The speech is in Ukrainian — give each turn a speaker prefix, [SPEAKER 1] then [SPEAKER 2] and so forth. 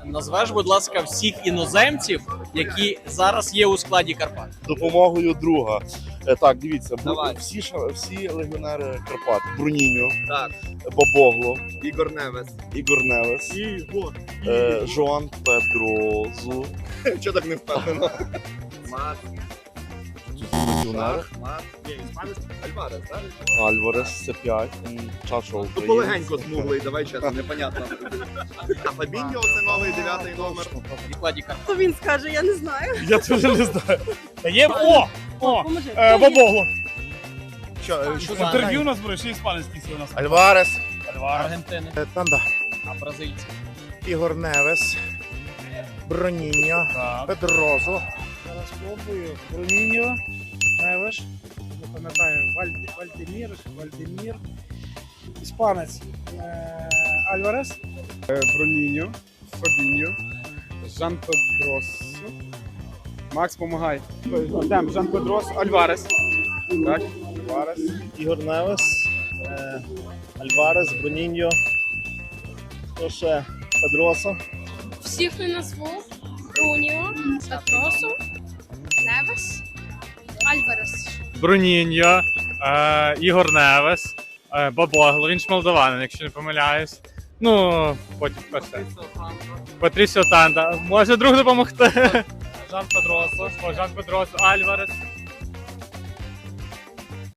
[SPEAKER 1] Назвеш, будь ласка, всіх іноземців, які зараз є у складі Карпат.
[SPEAKER 2] Допомогою друга. Так, дивіться,
[SPEAKER 1] Давай.
[SPEAKER 2] всі легіонери Карпат. Бруніньо,
[SPEAKER 1] Так.
[SPEAKER 2] Бабогло,
[SPEAKER 1] Ігор Невес.
[SPEAKER 2] Ігор Невес, Жоан Педрозу.
[SPEAKER 1] Чого так не впевнено?
[SPEAKER 2] Легіонери.
[SPEAKER 1] Альварес, так?
[SPEAKER 2] Альварес, це 5. Чашо
[SPEAKER 3] Ну, полегенько смуглий, давай чесно, непонятно. А Фабіньо це новий 9-й номер.
[SPEAKER 1] У складі Карпат.
[SPEAKER 4] Хто він скаже, я не знаю.
[SPEAKER 5] Я теж не знаю. Є о!
[SPEAKER 4] Поможи.
[SPEAKER 5] Бабогло.
[SPEAKER 3] Що
[SPEAKER 5] З інтерв'ю у нас буде, ще іспанський у нас.
[SPEAKER 6] Альварес,
[SPEAKER 1] Аргентини.
[SPEAKER 6] Танда,
[SPEAKER 1] А бразильці.
[SPEAKER 6] Ігор Невес, Броніньо,
[SPEAKER 5] Так.
[SPEAKER 6] Педрозу,
[SPEAKER 7] Зараз спробую. Броніньо, Невеш, не пам'ятаю, Вальдемір, іспанець, Альварес,
[SPEAKER 8] Броніньо, Фабіньо, Жан Педросо, Макс, помагай. Йдемо, Жан Педросо, Альварес. Так, Альварес.
[SPEAKER 2] Ігор Невес, Альварес, Бруніньо, хто ще? Педросо.
[SPEAKER 9] Всіх не назву. Руніо, Петросу, Невес, Альварес.
[SPEAKER 5] Бруніньо, Ігор Невес, Бабогло, він ж молдаванин, якщо не помиляюсь. Ну, потім хто ще? Патрісіо Танда. Може друг допомогти? Жан Педросо, Альварес.